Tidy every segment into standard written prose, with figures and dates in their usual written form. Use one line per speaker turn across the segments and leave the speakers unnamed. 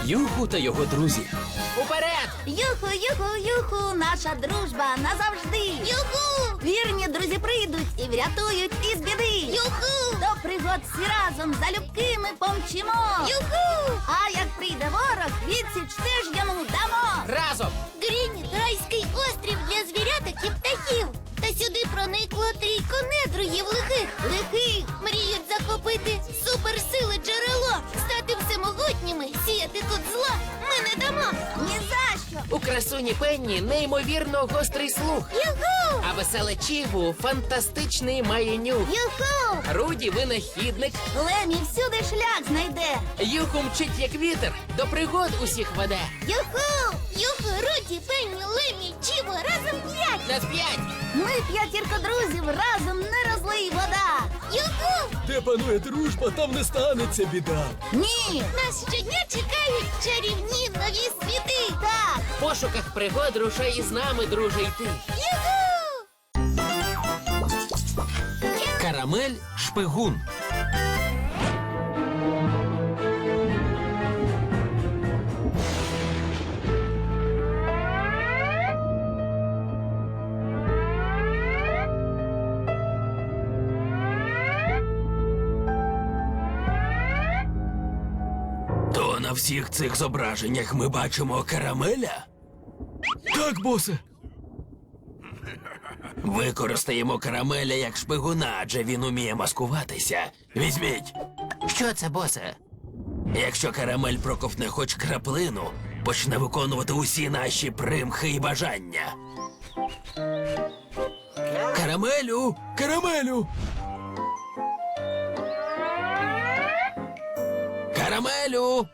Юху та його друзі.
Уперед!
Юху, юху, юху, наша дружба назавжди. Юху! Вірні друзі прийдуть і врятують із біди. Юху! До пригод всі разом залюбки ми помчимо. Юху! А як прийде ворог, відсіч теж йому дамо.
Разом!
Грініт – райський острів для звіряток і птахів. Та сюди проникло трійко недругів лихих. Мріють захопити суперсили джерело, стати всемогутніми, сіяти тут зло ми не дамо. Ні за що.
У красуні Пенні неймовірно гострий слух.
Юху!
А веселе Чігу фантастичний має нюх.
Юху!
Руді винахідник.
Лемі всюди шлях знайде.
Юху мчить як вітер, до пригод усіх веде.
Юху! Юху, Руді, Пенні, Лемі, Чіво, разом 5.
На 5!
Ми п'ятірка друзів, разом не розлий вода. Юху!
Де панує дружба, там не станеться біда.
Ні! Нас щодня чекають чарівні нові світи. Так!
В пошуках пригод рушай із нами, друже, йти.
Юху!
Карамель шпигун. То на всіх цих зображеннях ми бачимо карамеля? Так, босе. Використаємо карамеля як шпигуна, адже він уміє маскуватися. Візьміть.
Що це, босе?
Якщо карамель проковтне хоч краплину, почне виконувати усі наші примхи і бажання. Карамелю! Карамелю! Карамелю!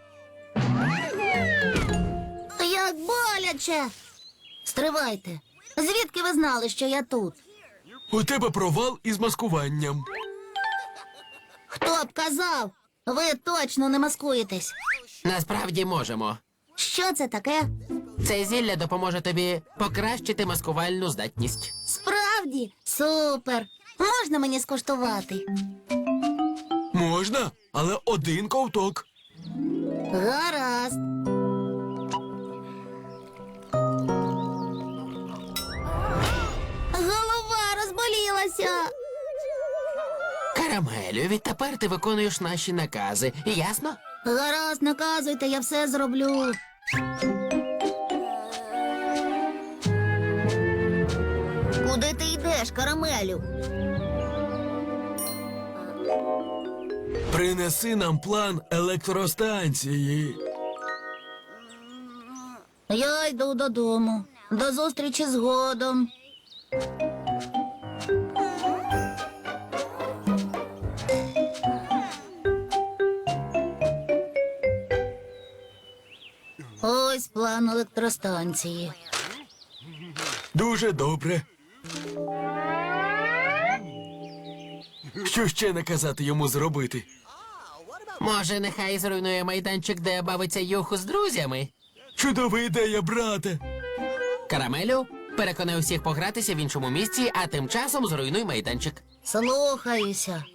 Як боляче! Стривайте. Звідки ви знали, що я тут?
У тебе провал із маскуванням.
Хто б казав? Ви точно не маскуєтесь.
Насправді можемо.
Що це таке?
Це зілля допоможе тобі покращити маскувальну здатність.
Справді? Супер! Можна мені скуштувати?
Можна, але один ковток.
Гаразд. Голова розболілася.
Карамелю, відтепер ти виконуєш наші накази. Ясно?
Гаразд, наказуйте, я все зроблю. Куди ти йдеш, карамелю?
Принеси нам план електростанції.
Я йду додому. До зустрічі згодом. Ось план електростанції.
Дуже добре. Що ще наказати йому зробити?
Може, нехай зруйнує майданчик, де бавиться Юху з друзями?
Чудова ідея, брате.
Карамелю, переконай усіх погратися в іншому місці, а тим часом зруйнуй майданчик.
Слухаюся.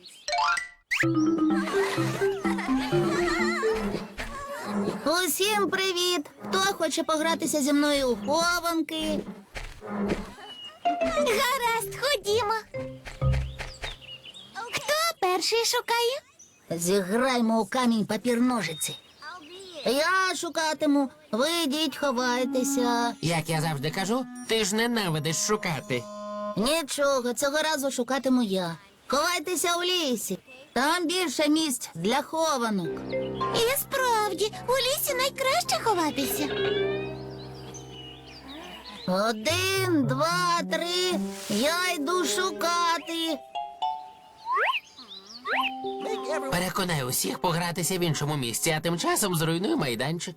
Усім привіт! Хто хоче погратися зі мною у хованки? Гаразд, ходімо. Хто перший шукає? Зіграймо у камінь папір ножиці. Я шукатиму, ви йдіть, ховайтеся.
Як я завжди кажу, ти ж ненавидиш шукати.
Нічого, цього разу шукатиму я. Ховайтеся у лісі. Там більше місць для хованок. І справді, у лісі найкраще ховатися. 1, 2, 3. Я йду шукати.
Переконай усіх погратися в іншому місці, а тим часом зруйнуй майданчик.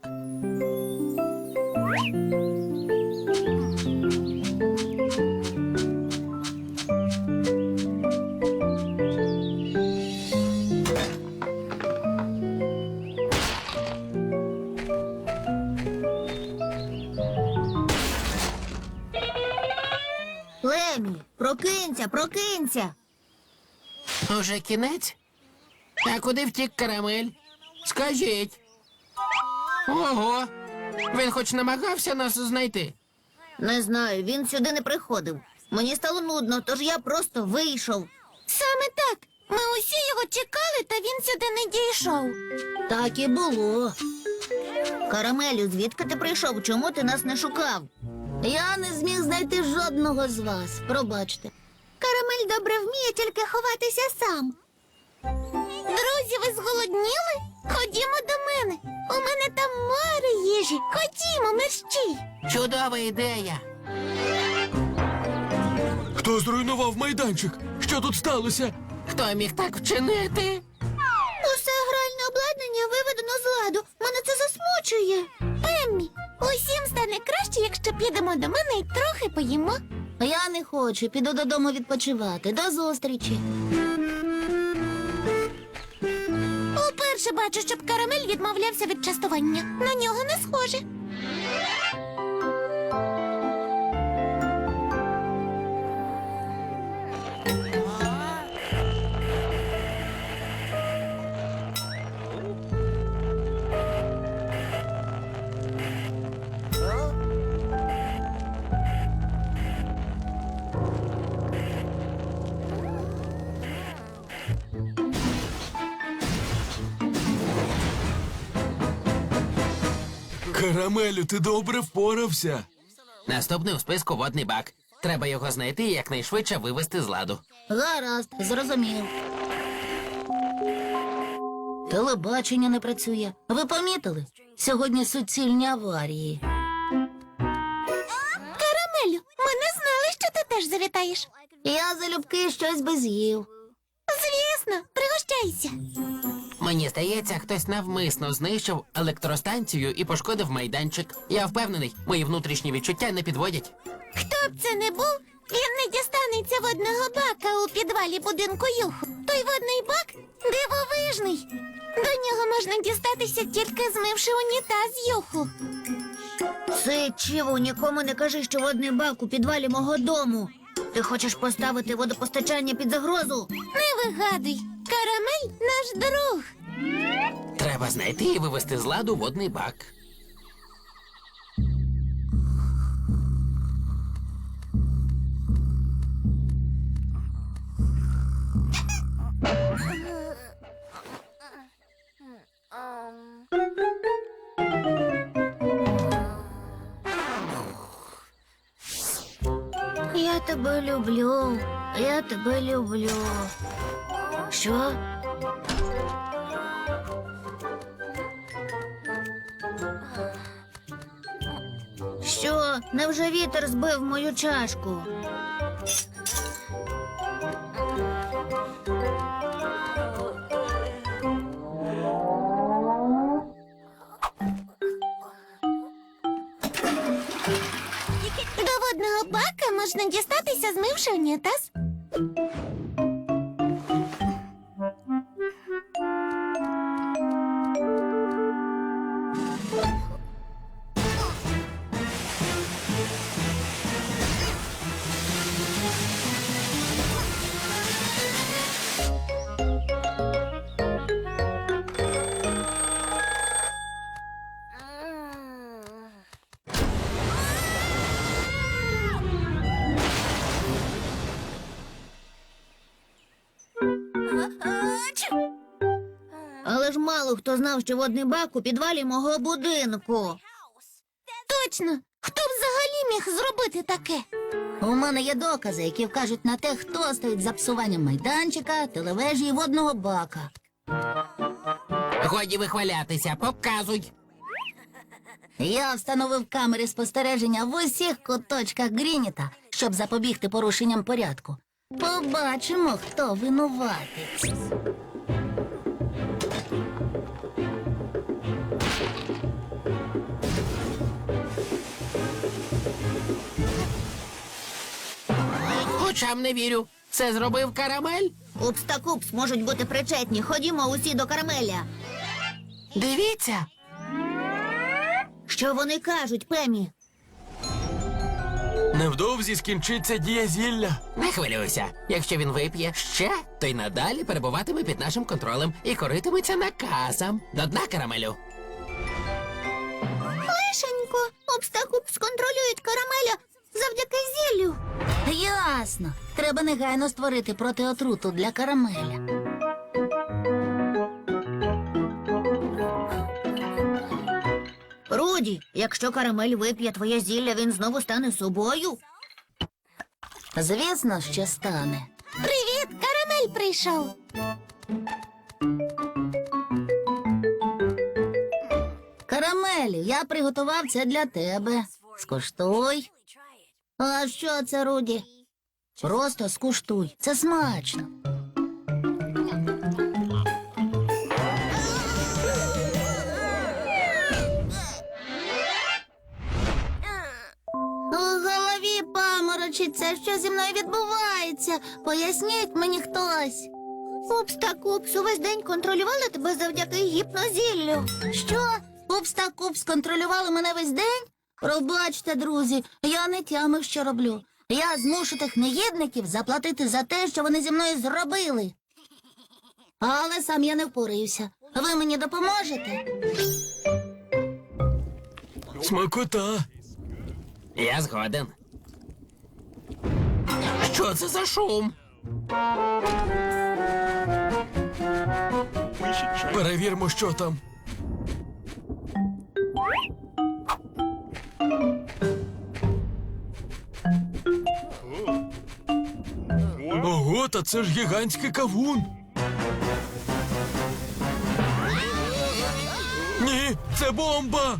Лемі, прокинься, прокинься.
Уже кінець? А куди втік карамель? Скажіть. Ого! Він хоч намагався нас знайти.
Не знаю, він сюди не приходив. Мені стало нудно, тож я просто вийшов. Саме так. Ми усі його чекали, та він сюди не дійшов. Так і було. Карамелю, звідки ти прийшов? Чому ти нас не шукав? Я не зміг знайти жодного з вас. Пробачте. Карамель добре вміє тільки ховатися сам. Друзі, ви зголодніли? Ходімо до мене. У мене там море їжі. Ходімо, мерщій.
Чудова ідея.
Хто зруйнував майданчик? Що тут сталося?
Хто міг так вчинити?
Усе гральне обладнання виведено з ладу. Мене це засмучує. Пеммі, усім стане краще, якщо підемо до мене і трохи поїмо. Я не хочу. Піду додому відпочивати. До зустрічі. Уперше бачу, щоб Карамель відмовлявся від частування. На нього не схоже.
Карамелю, ти добре впорався.
Наступний у списку водний бак. Треба його знайти і якнайшвидше вивести з ладу.
Гаразд, зрозумів. Телебачення не працює. Ви помітили? Сьогодні суцільні аварії. Карамелю, ми не знали, що ти теж завітаєш. Я залюбки щось би з'їв. Звісно, пригощайся.
Мені здається, хтось навмисно знищив електростанцію і пошкодив майданчик. Я впевнений, мої внутрішні відчуття не підводять.
Хто б це не був, він не дістанеться водного бака у підвалі будинку Юху. Той водний бак дивовижний. До нього можна дістатися, тільки змивши унітаз Юху. Чиво, нікому не кажи, що водний бак у підвалі мого дому. Ти хочеш поставити водопостачання під загрозу? Не вигадуй. Карамель наш друг.
Треба знайти і вивести з ладу водний бак.
Я тебе люблю. Я тебе люблю. Що? Що? Невже вітер збив мою чашку? До водного бака можна дістатися, змивши унітаз. Але ж мало хто знав, що водний бак у підвалі мого будинку. Точно! Хто б взагалі міг зробити таке? У мене є докази, які вкажуть на те, хто стоїть за псуванням майданчика, телевежі і водного бака.
Годі вихвалятися, показуй.
Я встановив камери спостереження в усіх куточках Грініта, щоб запобігти порушенням порядку. Побачимо, хто винуватець.
Очам не вірю. Це зробив Карамель?
Упс та купс можуть бути причетні. Ходімо усі до Карамеля.
Дивіться.
Що вони кажуть, Пемі?
Невдовзі скінчиться дія зілля.
Не хвилюйся. Якщо він вип'є ще, то й надалі перебуватиме під нашим контролем і коритиметься наказом. До дна, Карамелю.
Лишенько, Обстакупс контролюють карамеля завдяки зіллю. Ясно. Треба негайно створити протиотруту для карамеля. Руді, якщо карамель вип'є твоє зілля, він знову стане собою? Звісно, що стане. Привіт, карамель прийшов. Карамелю, я приготував це для тебе. Скуштуй. А що це, Руді? Просто скуштуй. Це смачно. У голові паморочиться. Що зі мною відбувається? Поясніть мені хтось. Упс та Купс увесь день контролювали тебе завдяки гіпнозіллю. Що? Упс та Купс контролювали мене весь день? Пробачте, друзі, я не тямив, що роблю. Я змушу тих негідників заплатити за те, що вони зі мною зробили. Але сам я не впорався. Ви мені допоможете?
Смакота.
Я згоден.
Що це за шум? Перевірмо, що там. Ого, та це ж гігантський кавун. Ні, це бомба.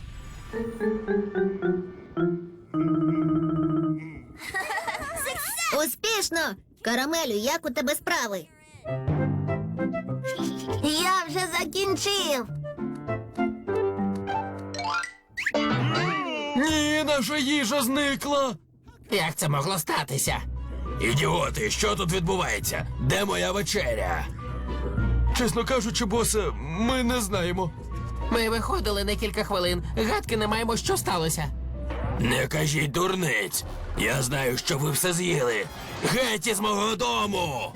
Успішно! Карамелю, як у тебе справи? Я вже закінчив.
Ні, наша їжа зникла.
Як це могло статися?
Ідіоти, що тут відбувається? Де моя вечеря? Чесно кажучи, босе, ми не знаємо.
Ми виходили на кілька хвилин. Гадки не маємо, що сталося.
Не кажіть дурниць. Я знаю, що ви все з'їли. Геть із мого дому!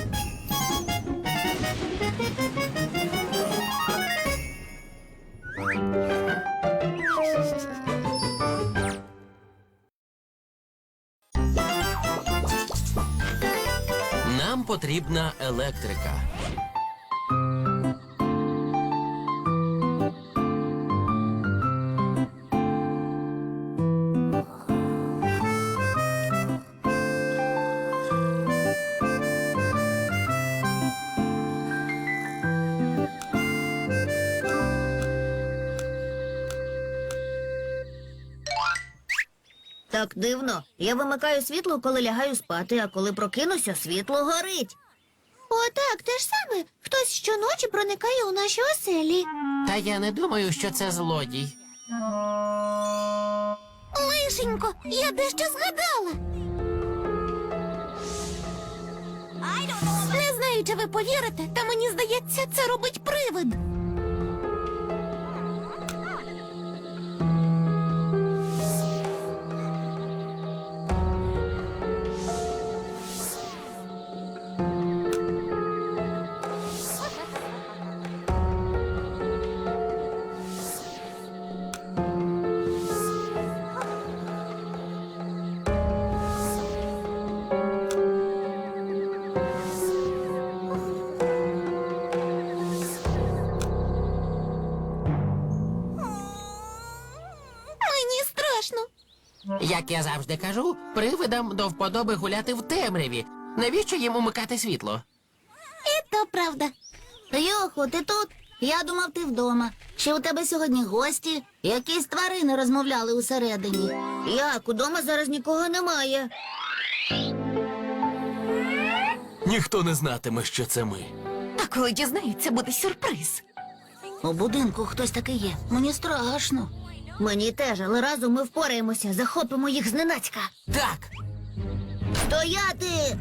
Нам потрібна електрика.
Так дивно. Я вимикаю світло, коли лягаю спати, а коли прокинуся, світло горить. О, так, те ж саме. Хтось щоночі проникає у наші оселі.
Та я не думаю, що це злодій.
Лишенько, я дещо згадала. Не знаю, чи ви повірите, та мені здається, це робить привид. Мені страшно.
Як я завжди кажу, привидам до вподоби гуляти в темряві. Навіщо їм умикати світло?
І то правда. Юху, ти тут? Я думав, ти вдома. Чи у тебе сьогодні гості? Якісь тварини розмовляли усередині. Як, удома зараз нікого немає.
Ніхто не знатиме, що це ми.
А коли дізнаються, буде сюрприз. У будинку хтось такий є. Мені страшно. Мені теж, але разом ми впораємося, захопимо їх зненацька.
Так,
Стояти!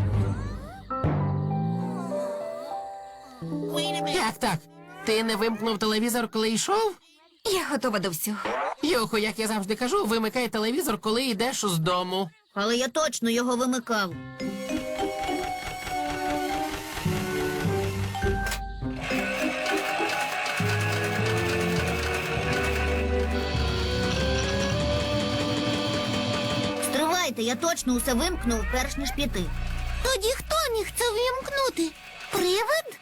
як так? Ти не вимкнув телевізор, коли йшов?
Я готова до всього.
Юху, як я завжди кажу, вимикай телевізор, коли йдеш з дому.
Але я точно його вимикав. Чекайте, я точно усе вимкнув, перш ніж піти. Тоді хто міг це вимкнути? Привид?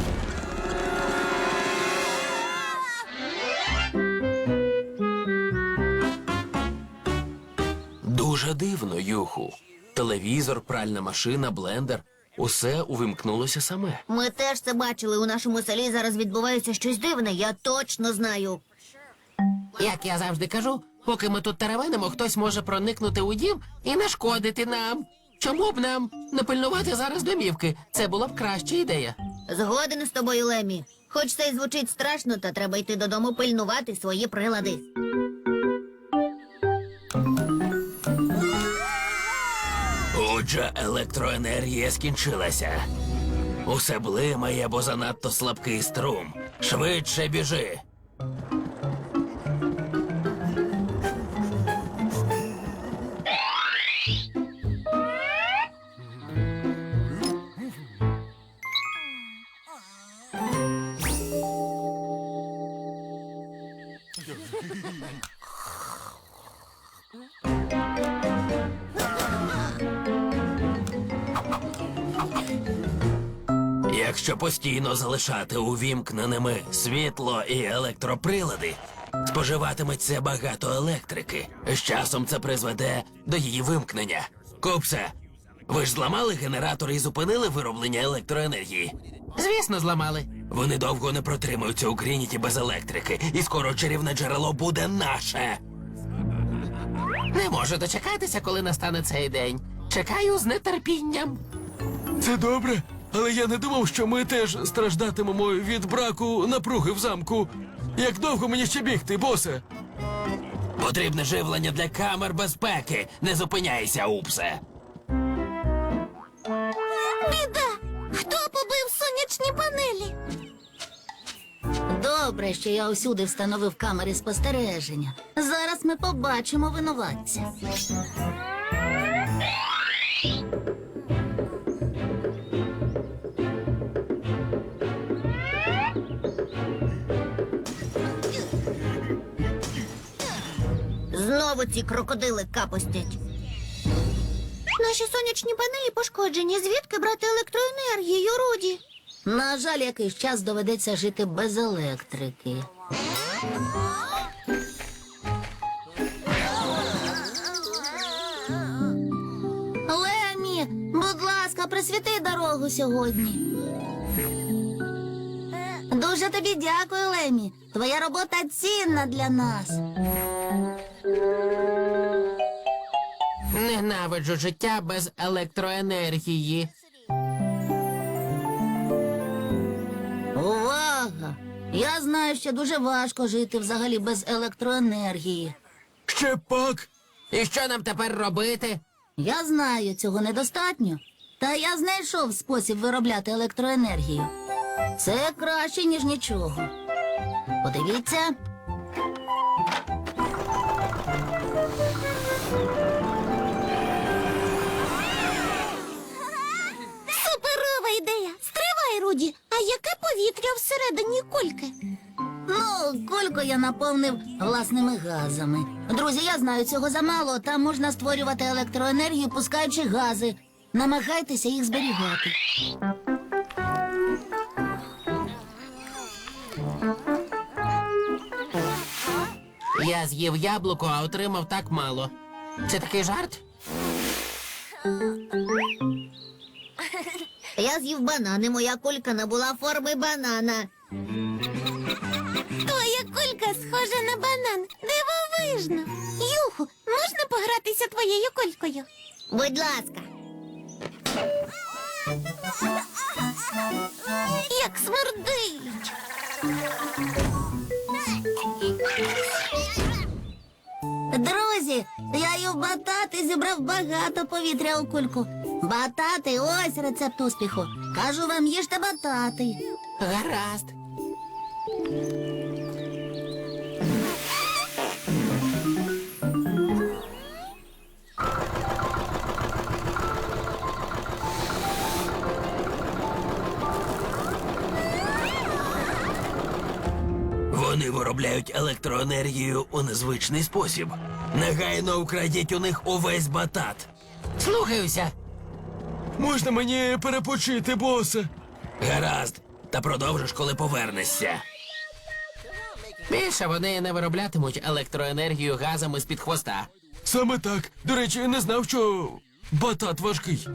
Дуже дивно, Юху. Телевізор, пральна машина, блендер. Усе увімкнулося саме.
Ми теж це бачили. У нашому селі зараз відбувається щось дивне, я точно знаю.
Як я завжди кажу, поки ми тут теревенимо, хтось може проникнути у дім і нашкодити нам. Чому б нам не пильнувати зараз домівки? Це була б краща ідея.
Згоден з тобою, Лемі. Хоч це й звучить страшно, та треба йти додому пильнувати свої прилади.
Отже, електроенергія скінчилася. Усе блимає, бо занадто слабкий струм. Швидше біжи. Якщо постійно залишати увімкненими світло і електроприлади, споживатиметься багато електрики. З часом це призведе до її вимкнення. Купсе, ви ж зламали генератор і зупинили вироблення електроенергії?
Звісно, зламали.
Вони довго не протримаються у Грініті без електрики, і скоро чарівне джерело буде наше.
Не можу дочекатися, коли настане цей день. Чекаю з нетерпінням.
Це добре, але я не думав, що ми теж страждатимемо від браку напруги в замку. Як довго мені ще бігти, босе? Потрібне живлення для камер безпеки. Не зупиняйся, Упсе.
Біда! Хто побив сонячні панелі? Добре, що я усюди встановив камери спостереження. Зараз ми побачимо винуватця. Знову ці крокодили капостять. Наші сонячні панелі пошкоджені. Звідки брати електроенергію, Руді? На жаль, якийсь час доведеться жити без електрики. Лемі, будь ласка, присвіти дорогу сьогодні. Дуже тобі дякую, Лемі. Твоя робота цінна для нас.
Ненавиджу життя без електроенергії.
Увага! Я знаю, що дуже важко жити взагалі без електроенергії.
Ще пак?
І що нам тепер робити?
Я знаю, цього недостатньо. Та я знайшов спосіб виробляти електроенергію. Це краще, ніж нічого. Подивіться. Суперова ідея! Стривай, Руді! А яке повітря всередині кульки? Ну, кульку я наповнив власними газами. Друзі, я знаю, цього замало. Там можна створювати електроенергію, пускаючи гази. Намагайтеся їх зберігати.
Я з'їв яблуко, а отримав так мало. Це такий жарт?
Я з'їв банан, і моя кулька набула форми банана. Твоя кулька схожа на банан. Дивовижно. Юху, можна погратися твоєю кулькою? Будь ласка. Як смердить. Друзі, я їв батати, зібрав багато повітря у кульку. Батати, ось рецепт успіху. Кажу вам, їжте батати.
Гаразд.
Вони виробляють електроенергію у незвичний спосіб. Негайно вкрадіть у них увесь батат.
Слухаюся.
Можна мені перепочити, босе?
Гаразд, та продовжиш, коли повернешся.
Більше вони не вироблятимуть електроенергію газами з-під хвоста.
Саме так. До речі, я не знав, що батат важкий.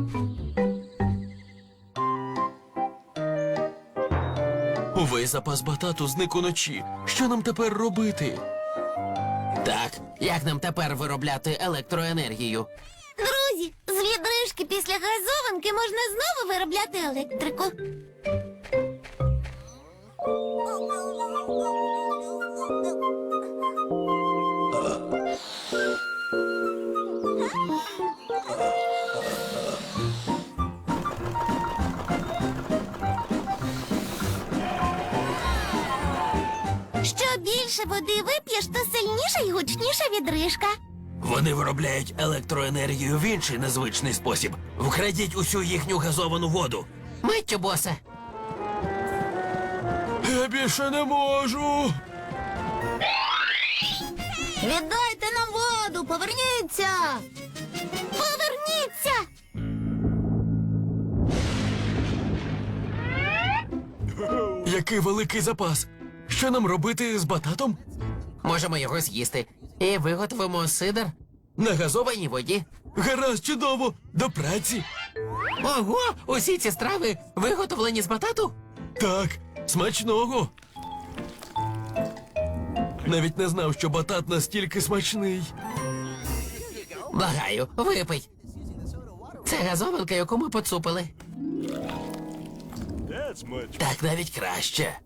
Увесь запас батату зник уночі. Що нам тепер робити?
Так, як нам тепер виробляти електроенергію?
Друзі, з відрижки після газованки можна знову виробляти електрику. Що більше води вип'єш, то сильніша і гучніша відрижка.
Вони виробляють електроенергію в інший незвичний спосіб. Вкрадіть усю їхню газовану воду.
Миттю, босе.
Я більше не можу.
Віддайте нам воду, поверніться! Поверніться!
Який великий запас. Що нам робити з бататом?
Можемо його з'їсти. І виготовимо сидр
На
в
газованій?
газованій воді.
Гаразд, чудово. До праці.
Ого, усі ці страви виготовлені з батату?
Так, смачного. Навіть не знав, що батат настільки смачний.
Благаю, випий. Це газованка, яку ми поцупили.
Так навіть краще.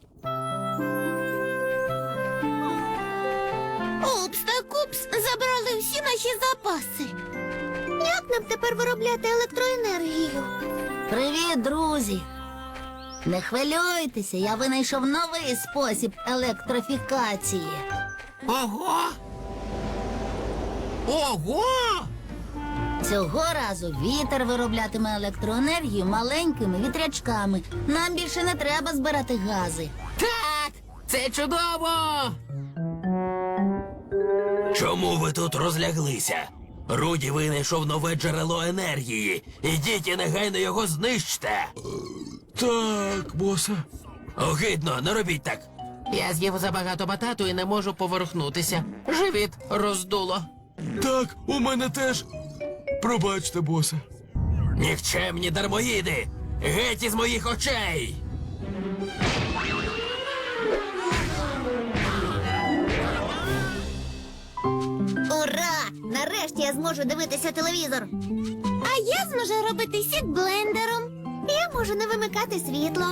Упс та купс забрали всі наші запаси. Як нам тепер виробляти електроенергію? Привіт, друзі! Не хвилюйтеся, я винайшов новий спосіб електрифікації.
Ого! Ого!
Цього разу вітер вироблятиме електроенергію маленькими вітрячками. Нам більше не треба збирати гази.
Так! Це чудово!
Чому ви тут розляглися? Руді винайшов нове джерело енергії. Ідіть і негайно його знищте.
Так, босе.
Огидно, не робіть так.
Я з'їв забагато батату і не можу поворухнутися. Живіт роздуло.
Так, у мене теж. Пробачте, босе.
Нікчемні дармоїди! Геть із моїх очей!
Ура! Нарешті я зможу дивитися телевізор. А я зможу робити сік блендером. Я можу не вимикати світло.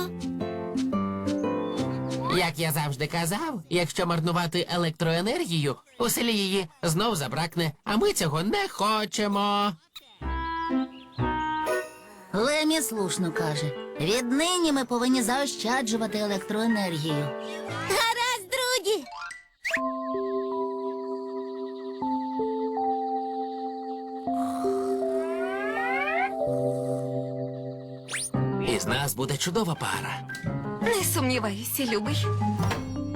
Як я завжди казав, якщо марнувати електроенергію, у селі її знов забракне, а ми цього не хочемо.
Лемі слушно каже. Віднині ми повинні заощаджувати електроенергію. Гаразд, друзі!
Із нас буде чудова пара.
Не сумніваюся, любий.